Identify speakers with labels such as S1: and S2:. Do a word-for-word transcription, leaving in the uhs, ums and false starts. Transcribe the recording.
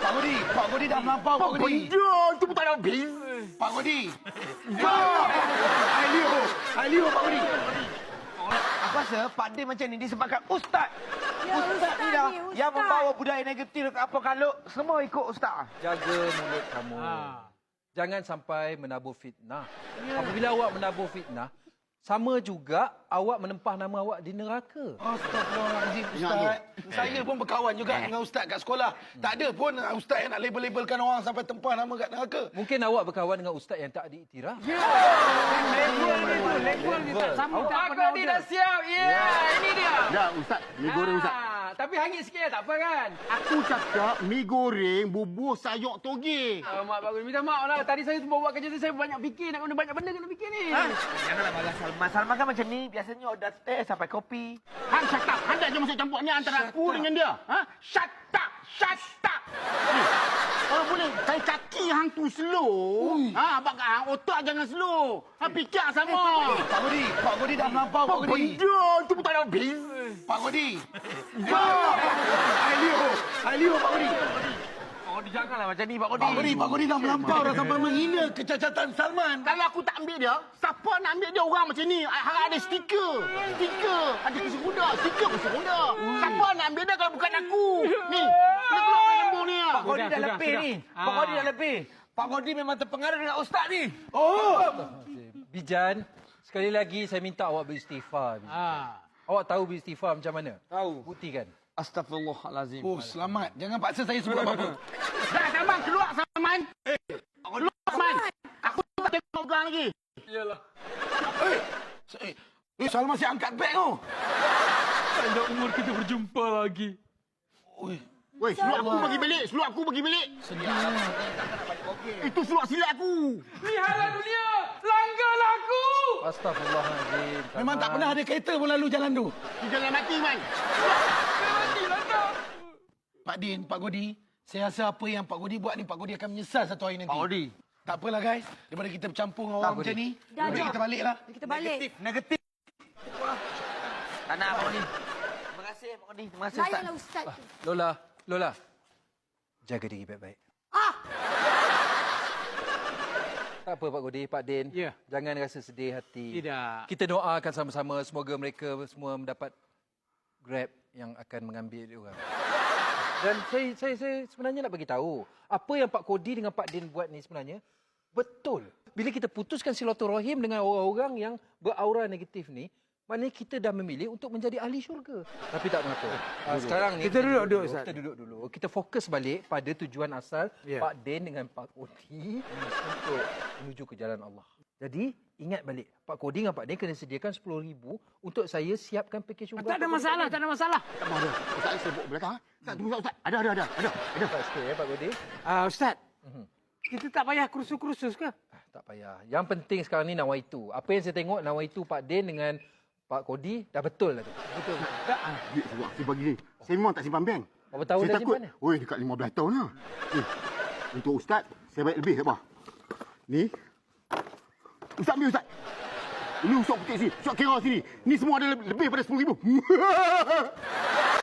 S1: Pak Kodi, Pak Kodi dah melampau, Pak Kodi.
S2: Ya, itu pun tak ada habis.
S1: Pak Kodi. Ya. Ailio, Ailio Pak Kodi. Apa rasa Pak Din macam ni disebabkan Ustaz.
S3: Ya,
S1: Ustaz,
S3: Ustaz
S1: ni dah
S3: ni, Ustaz.
S1: yang membawa budaya negatif ke apa kalau semua ikut Ustaz.
S4: Jaga mulut kamu.
S5: Ha.
S4: Jangan sampai menabur fitnah. Apabila awak menabur fitnah, sama juga awak menempah nama awak di neraka.
S1: Astagfirullahaladzim, Ustaz. Saya pun berkawan juga dengan Ustaz kat sekolah. Tak ada pun Ustaz yang nak label-labelkan orang sampai tempah nama kat neraka.
S4: Mungkin awak berkawan dengan ustaz yang tak diiktiraf.
S5: Ya. Level ni tu, level ni tak sama. Tak
S6: Pak
S5: pernah
S6: Kodi
S5: order.
S6: dah siap. Ya, ini dia.
S2: Dah, Ustaz. Mi goreng, Ustaz.
S6: Ah, tapi hangit sikit tak apa kan?
S2: Aku cakap mi goreng bubur sayur toge.
S6: Oh, mak Pak Kodi, minta maaf lah. Tadi saya buat kerja tu, saya banyak fikir. Nak guna banyak benda kena fikir ni.
S1: Janganlah marah Salman. Salman kan macam ni. Biasanya order teh sampai kopi.
S2: Han shut up. Han dah je masuk campur ni antara aku dengan dia. Ha? Shut up. Shut up. Ni, kalau boleh, saya kaki hang tu slow. Ha, abang hang otak jangan slow. Ha, fikir sama.
S1: Pak Kodi, Pak Kodi dah melampau, Pak Kodi.
S2: Benda tu pun tak ada habis.
S1: Pak Kodi. Ya. Ailio, Ailio Pak Kodi.
S6: Oh, janganlah macam ni, Pak Kodi.
S1: Pak Kodi, Pak Kodi dah melampau dah sampai menghina kecacatan Salman.
S2: Kalau aku tak ambil dia, siapa nak ambil dia orang macam ni? Hang ada stiker. Stiker. Ada kursi roda. Stiker kursi roda. Siapa nak ambil dia kalau bukan aku? Ni. Dia keluar dari kampung ni.
S1: Pak Kodi
S5: Sudah,
S1: dah
S5: sudah,
S1: lebih
S5: sudah.
S1: ni.
S5: Ah.
S1: Pak Kodi dah lebih. Pak Kodi memang terpengaruh dengan Ustaz ni. Oh.
S4: Bijan, sekali lagi saya minta awak beristighfar. Bijan.
S5: Ah.
S4: Awak tahu beristighfar macam mana?
S6: Tahu.
S4: Buktikan.
S6: Astagfirullahalazim.
S1: Oh, selamat. Jangan paksa saya sebut apa-apa.
S2: Dah, Salman. Keluar, Salman. Keluar, Salman. Aku tak tengok kau lagi.
S6: Iyalah.
S1: Eh, eh, eh, Salman saya angkat beg tu.
S6: Ada umur kita berjumpa lagi.
S1: Oi.
S2: Weh, seluar aku bagi balik. Seluar aku bagi balik. Itu seluar silat aku.
S6: Lihatlah dunia. Langgarlah aku.
S4: Astagfirullahaladzim.
S1: Memang tak pernah ada kereta pun lalu jalan tu.
S2: Dia jangan mati, Man.
S6: Matilah kau.
S1: Pak Din, Pak Kodi, saya rasa apa yang Pak Kodi buat ni, Pak Kodi akan menyesal satu hari nanti.
S6: Pak Kodi.
S1: Tak apalah guys, daripada kita bercampur dengan orang macam ni,
S3: Dah,
S1: lebih
S3: dah.
S1: kita baliklah.
S3: Kita balik.
S1: Negatif. Tak nak Pak Kodi. Terima kasih Pak Kodi. Terima kasih Ustaz.
S3: Layanlah Ustaz tu.
S4: Lola, Lola. Jaga diri baik-baik.
S3: Ah!
S4: Tak apa Pak Kodi, Pak Din.
S5: Ya.
S4: Jangan rasa sedih hati.
S5: Tidak.
S4: Kita doakan sama-sama semoga mereka semua mendapat Grab yang akan mengambil dia orang. Dan saya, saya, saya sebenarnya nak bagi tahu apa yang Pak Kodi dengan Pak Din buat ni sebenarnya betul. Bila kita putuskan silaturahim dengan orang-orang yang beraura negatif ni, maknanya kita dah memilih untuk menjadi ahli syurga. Tapi tak mengapa. Uh, sekarang ni
S5: Kita duduk dulu, Ustaz.
S4: Kita duduk dulu. Kita fokus balik pada tujuan asal
S5: Ya.
S4: Pak Din dengan Pak Kodi untuk menuju ke jalan Allah. Jadi, ingat balik. Pak Kodi dengan Pak Din kena sediakan sepuluh ribu untuk saya siapkan pakej umrah.
S5: Tak ada masalah, tak ada masalah.
S2: Tak mahu ada. Ustaz, saya sebut belakang. ha? Ustaz, tunggu Ustaz. Ada, ada, ada. Ada.
S4: Ada tak sikit ya Pak Kodi?
S5: Ah, Ustaz.
S4: Mhm.
S5: Kita tak payah kursus-kursus ke?
S4: Ah, tak payah. Yang penting sekarang ni nawaitu. Apa yang saya tengok nawaitu Pak Din dengan Pak Kodi dah betul lah tu.
S5: Betul. Tak. Ah.
S2: Duit sebab saya bagi ni. Saya memang tak simpan bank.
S4: Berapa tahun
S2: saya
S4: dah
S2: takut.
S4: simpan ni?
S2: Oi, dekat lima belas tahun lah. Eh, untuk Ustaz, saya bayar lebih. Apa? Ni. Ustaz ambil Ustaz. Ini usuk putih sini. Usuk kira sini. Ni semua ada lebih, lebih pada sepuluh ribu.